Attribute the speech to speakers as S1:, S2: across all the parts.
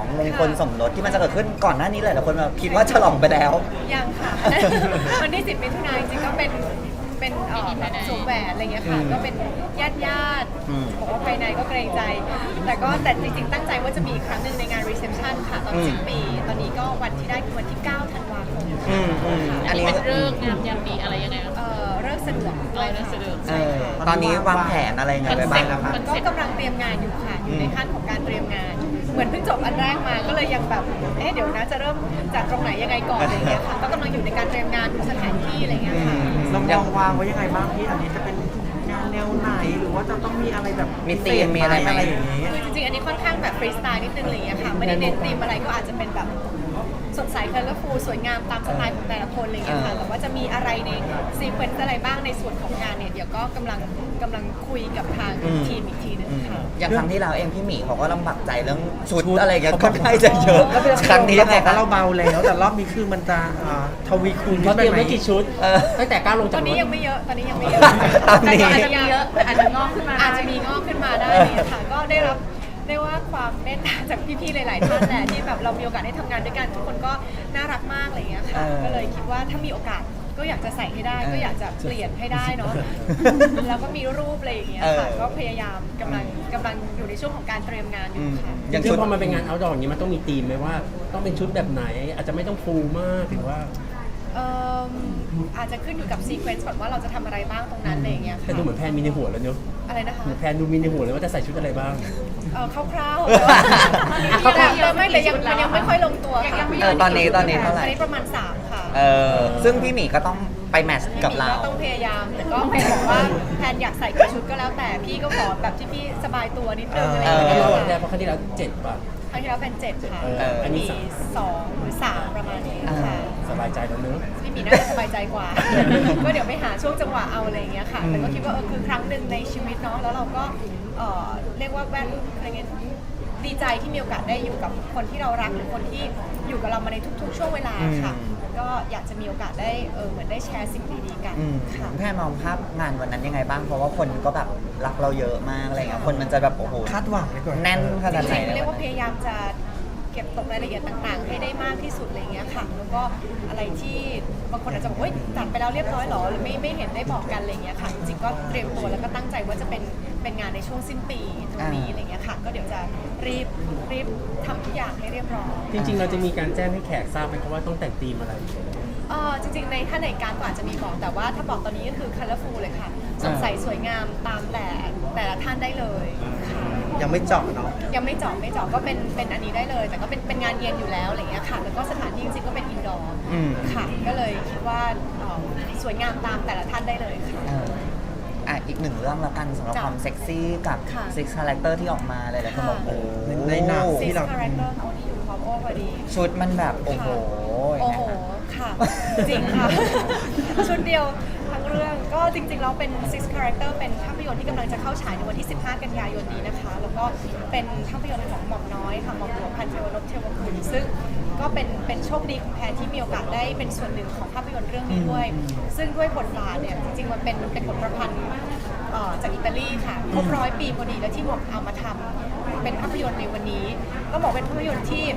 S1: มงคลสมรสที่มันจะเกิดขึ้นก่อนหน้านี้หลายๆคนแบบคิดว่าฉลองไปแล้ว
S2: ยังค่ะ วันที่10 มิถุนายนจริงๆก็เป็นสวมแหวนอะไรเงี้ยค่ะก็เป็นญาติบอกว่าภายในก็เกรงใจแต่จริงๆตั้งใจว่าจะมีอีกครั้งหนึ่งในงานรีเซพชันค่ะตอนสิ้นปีตอนนี้ก็วันที่ได้คือวันที่9 ธันวาคม
S3: อันนี้เป็นเรื่องงามยามดีอะไรยังไง
S2: เลิกสะดวก
S3: เลิกสะดวก
S1: ตอนนี้วางแผนอะไรไงไปบ้างคะ
S2: ก็กำลังเตรียมงานอยู่ค่ะอยู่ในขั้นของการเตรียมงานเหมือนเพิ่งจบอันแรกมาก็เลยยังแบบเดี๋ยวนะจะเริ่มจากตรงไหนยังไงก่อนอะไรเงี้ยค่ะก็กำลังอยู่ในการเตรียมงานดูสถานที่อะไรเงี้ยค่ะ
S4: เราวางไว้ยังไงบ้างพี่อันนี้จะเป็นงานแนวไหนหรือว่าจะต้องมีอะไรแบบ
S1: มีธีมมีอะไรไหม
S4: อย่างนี้
S2: คือจริงๆอันนี้ค่อนข้างแบบฟรีสไตล์นิดนึงอะไรเงี้ยค่ะไม่ได้เน้นธีมอะไรก็อาจจะเป็นแบบสดใสเคลฟูสวยงามตามสไตล์ของแต่ละคนอะไรเงี้ยค่ะแต่ว่าจะมีอะไรในซีเควนซ์อะไรบ้างในส่วนของงานเนี่ยเดี๋ยวก็กำลังคุยกับทางทีมอีกทีนึงค่ะ
S1: อย่างครั้งที่เราเองพี่หมีเขาก็ลำบากใจเรื่องชุดอะไรเงี้ยก็ค่อนจะเยอะครั้งนี้ยังไงคะ
S4: เราเบาแล้วแต่รอบนี้คือมันจะทวีคูณ
S5: เขาเตรียมไม่กี่ชุดตั้งแต่ก้าวลงจาก
S2: ตอนนี้ยังไม่เยอะตอนนี้ยังไม่เยอะ
S1: แต่
S2: อาจจะมีเยอะแต่อาจจะงอกขึ้นมาอาจจะมีงอกขึ้นมาได้เนี่ยค่ะก็ได้รับได้ว่าความเมตตาจากพี่ๆหลายๆท่านแหละที่แบบเรามีโอกาสได้ทำงานด้วยกันทุกคนก็น่ารักมากอะไรเงี้ยค่ะก็เลยคิดว่าถ้ามีโอกาสก็อยากจะใส่ให้ได้ก็อยากจะเปลี่ยนให้ได้เนาะแล้วก็มีรูปอะไรอย่างเงี้ยค่ะก็พยายามกำลังอยู่ในช่วงของการเตรียมงานอยู่ค่ะ
S5: อย่างชุดพอมันเป็นงานเอาท์ดอร์อย่างนี้มันต้องมีธีมไหมว่าต้องเป็นชุดแบบไหนอาจจะไม่ต้องฟูมากหรือว่า
S2: อาจจะขึ้นอยู่กับซีเควนซ์ก่อนว่าเราจะทำอะไรบ้างตรงนั้นอะไรอย่างเงี้ยค่ะ
S5: แต่ดูเหมือนแพนมีในหัวแล้วเนอะ
S2: อะไรนะคะ
S5: เหมือนแพนดูมีในหัวเลยว่าจะใส่ชุดอะไรบ้าง
S2: คร่าวๆแต่ไม่แต่ยังไม่ค่อยลงตัว
S1: ตอนนี้เท่าไหร่ตอน
S2: นี้ประมาณ3ค่ะ
S1: ซึ่งพี่หมีก็ต้องไปแมทช์กับเรา
S2: ต้องพยายามแต่ก็แพนบอกว่าแพนอยากใส่กี่ชุดก็แล้วแต่พี่ก็ขอแบบที่พี่สบายตัวนิดนึงอะไรอย่างเงี้
S5: ยเพราะครั้งที่แล้ว7 ป่ะ
S2: ครั้งที่แล้วเป็น7ค่ะ
S5: อันนี้
S2: 2 หรือ 3ประมาณนี้ค่ะ
S5: สบายใจแล้วเนอะ
S2: พี่หมีน่าจะสบายใจกว่าก็เดี๋ยวไปหาช่วงจังหวะเอาอะไรอย่างเงี้ยค่ะแต่ก็คิดว่าคือครั้งหนึ่งในชีวิตเนาะแล้วเราก็เรียกว่าอะไรเงี้ยดีใจที่มีโอกาสได้อยู่กับคนที่เรารักหรือคนที่อยู่กับเรามาในทุกๆช่วงเวลาค่ะก็อยากจะมีโอกาสได้เหมือนได้แชร์สิ่งดีๆกันค่ะ
S1: แพนมองภาพงานวันนั้นยังไงบ้างเพราะว่าคนก็แบบรักเราเยอะมากอะไรเงี้ยคนมันจะแบบโอ้โห
S4: คาดหวังไปก่อน
S1: แน่นขนาดไหน
S2: เรียกว่าพยายามจะเก็บตกรายละเอียดต่างๆให้ได้มากที่สุดอะไรเงี้ยค่ะแล้วก็อะไรที่บางคนอาจจะบอกว่าจัดไปแล้วเรียบร้อยหรอหรือไม่เห็นได้บอกกันอะไรเงี้ยค่ะจริงๆก็เตรียมตัวแล้วก็ตั้งใจว่าจะเป็นงานในช่วงสิ้นปีตรงนี้อะไรเงี้ยค่ะก็เดี๋ยวจะรีบทำทุกอย่างให้เรียบร้อย
S5: จริงๆเราจะมีการแจ้งให้แขกทราบไหมครับว่าต้องแต่งธีมอะไร
S2: จริงๆถ้าในการก็อาจจะมีบอกแต่ว่าถ้าบอกตอนนี้ก็คือ colorful เลยค่ะสดใสสวยงามตามแต่ละท่านได้เลย
S4: ยังไม่เจาะเนาะ
S2: ยังไม่เจาะก็เป็นอันนี้ได้เลยแต่ก็เป็นงานเย็นอยู่แล้วอะไรเงี้ยค่ะแล้วก็สถานที่จริงๆก็เป็นอินดอร์ค่ะก็เลยคิดว่าสวยงามตามแต่ละท่านได้เลยค่ะ
S1: อีกหนึ่งเรื่องละกันสำหรับความเซ็กซี่กับ Six Character ที่ออกมาเลยแหละคนบอก
S4: ในหนัง
S2: ที่เรา Six Character โอ้นี่อยู่พร้อมโอ้พอดี
S1: ชุดมันแบบโอ้โห
S2: ค่ะจริงค่ะชุดเดียวทั้งเรื่องก็จริงๆแล้วเป็น Six Character เป็นภาพยนตร์ที่กำลังจะเข้าฉายในวันที่15 กันยายนนี้นะคะแล้วก็เป็นภาพยนตร์ของหม่อมน้อยค่ะหม่อมหลวงพันเทวนพเทวคุณซึ่งก็เป็นโชคดีของแพนที่มีโอกาสได้เป็นส่วนหนึ่งของภาพยนตร์เรื่องนี้ด้วยซึ่งด้วยบทบาทเนี่ยจริงๆมันเป็นบทประพันธ์จากอิตาลีค่ะครบ100 ปีพอดีแล้วที่หม่อมเอามาทำเป็นภาพยนตร์ในวันนี้ก็บอกเป็นภาพยนตร์ที่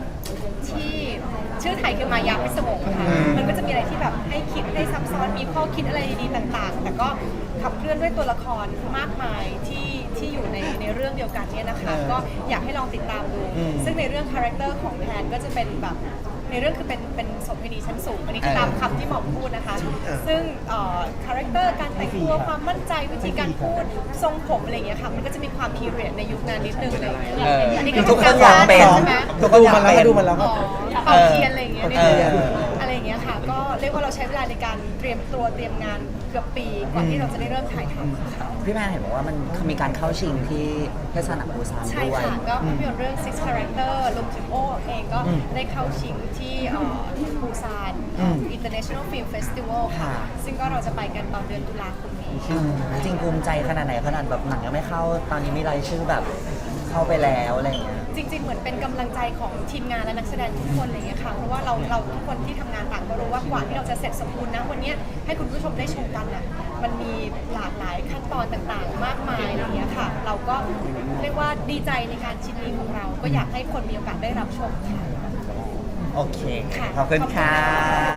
S2: ชื่อไทยคือมายาพิศวงค่ะมันก็จะมีอะไรที่แบบให้คิดให้ซับซ้อนมีข้อคิดอะไรดีๆต่างๆแต่ก็ขับเคลื่อนด้วยตัวละครมากมายที่อยู่ในเรื่องเดียวกันเนี่ยนะคะก็อยากให้ลองติดตามดูซึ่งในเรื่องคาแรคเตอร์ของแพนก็จะเป็นแบบในเรื่องคือเป็นโสเภณีชั้นสูงอันนี้คือตามคำที่หมอพูดนะคะซึ่งคาแรคเตอร์การแต่งตัวความมั่นใจวิธีการพูดทรงผมอะไรอย่างเงี้ยค่ะมันก็จะมีความพีเรียดในยุคนั้นนิดนึงเลยอันนี้ก็
S1: ทุกคนอยากเป็นใช่ไหม
S4: ทุกคนอยากเป็นดูมันแล้ว
S2: เป่าเทียนอะไรอย่างเงี้ยอะไรอย่างเงี้ยค่ะก็เรียกว่าเราใช้เวลาในการเตรียมตัวเตรียมงานเกือบปีก่อนที่เราจะได้เริ่มถ่ายทำ
S1: พี่แม่เห็นบอกว่ามันมีการเข้าชิงที่เทศนาปูซานด้วย
S2: ใช่ค่ะก็ภาพยนตร์เรื่อง Six Character รวมถึงโอเองก็ได้เข้าชิงที่ปูซาน International Film Festival ค่ะซึ่งก็เราจะไปกันตอนเดือนตุลาคมนี้
S1: จริงภูมิใจขนาดไหนขนาดแบบหนังยังไม่เข้าตอนนี้มีรายชื่อแบบเข้าไปแล้วอะไรอย่างเงี้ย
S2: จริงๆ เหมือนเป็นกำลังใจของทีมงานและนักแสดงทุกคนอะไรอย่างเงี้ยค่ะ เพราะว่าเราทุกคนที่ทำงานต่างก็รู้ว่ากว่าที่เราจะเสร็จสมบูรณ์นะวันเนี้ยให้คุณผู้ชมได้ชมกันน่ะมันมีหลากหลายขั้นตอนต่างๆ มากมายอะไรอย่างเงี้ยค่ะ เราก็เรียกว่าดีใจในการชิ้นนี้ของเรา ก็อยากให้คนมีโอกาสได้รับชมค่ะ
S1: โอเค
S2: ค่ะ
S1: ขอบคุณค่ะ